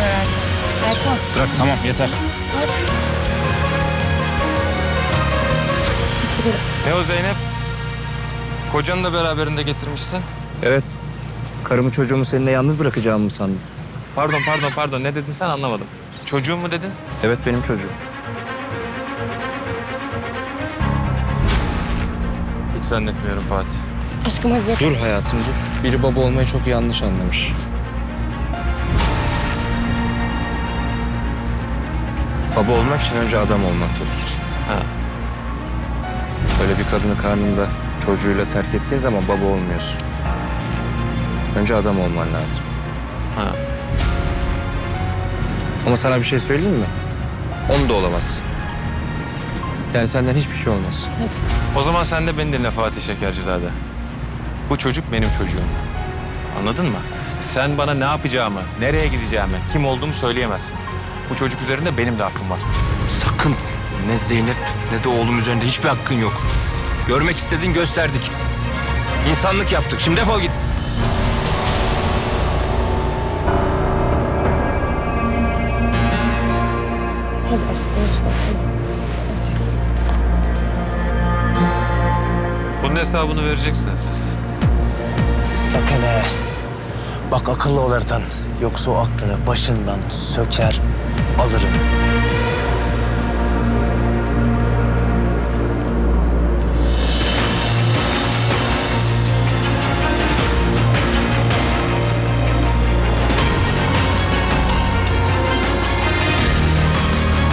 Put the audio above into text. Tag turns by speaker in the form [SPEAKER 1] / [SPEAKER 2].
[SPEAKER 1] Ertan. Ertan.
[SPEAKER 2] Bırak tamam yeter.
[SPEAKER 1] Hadi. Hadi gidelim.
[SPEAKER 3] Ne o Zeynep? Kocanı da beraberinde getirmişsin.
[SPEAKER 4] Evet. Karımı çocuğumu seninle yalnız bırakacağımı mı sandın?
[SPEAKER 3] Pardon. Ne dedin sen anlamadım. Çocuğum mu dedin?
[SPEAKER 4] Evet benim çocuğum.
[SPEAKER 3] Hiç zannetmiyorum Fatih.
[SPEAKER 1] Aşkım hadi.
[SPEAKER 4] Dur hayatım dur. Biri baba olmayı çok yanlış anlamış. Baba olmak için önce adam olmak gerekir.
[SPEAKER 3] Ha.
[SPEAKER 4] Böyle bir kadını karnında çocuğuyla terk ettiğin zaman baba olmuyorsun. Önce adam olman lazım.
[SPEAKER 3] Ha.
[SPEAKER 4] Ama sana bir şey söyleyeyim mi? Onu da olamazsın. Yani senden hiçbir şey olmaz.
[SPEAKER 3] O zaman sen de beni dinle Fatih Şekercizade. Bu çocuk benim çocuğum. Anladın mı? Sen bana ne yapacağımı, nereye gideceğimi, kim olduğumu söyleyemezsin. Bu çocuk üzerinde benim de hakkım var.
[SPEAKER 4] Sakın ne Zeynep ne de oğlum üzerinde hiçbir hakkın yok. Görmek istedin gösterdik. İnsanlık yaptık. Şimdi defol git.
[SPEAKER 1] Hadi aşkım lütfen.
[SPEAKER 3] Bunun hesabını vereceksiniz siz.
[SPEAKER 5] Sakın he. Bak akıllı ol Ertan. Yoksa o aklını başından söker alırım.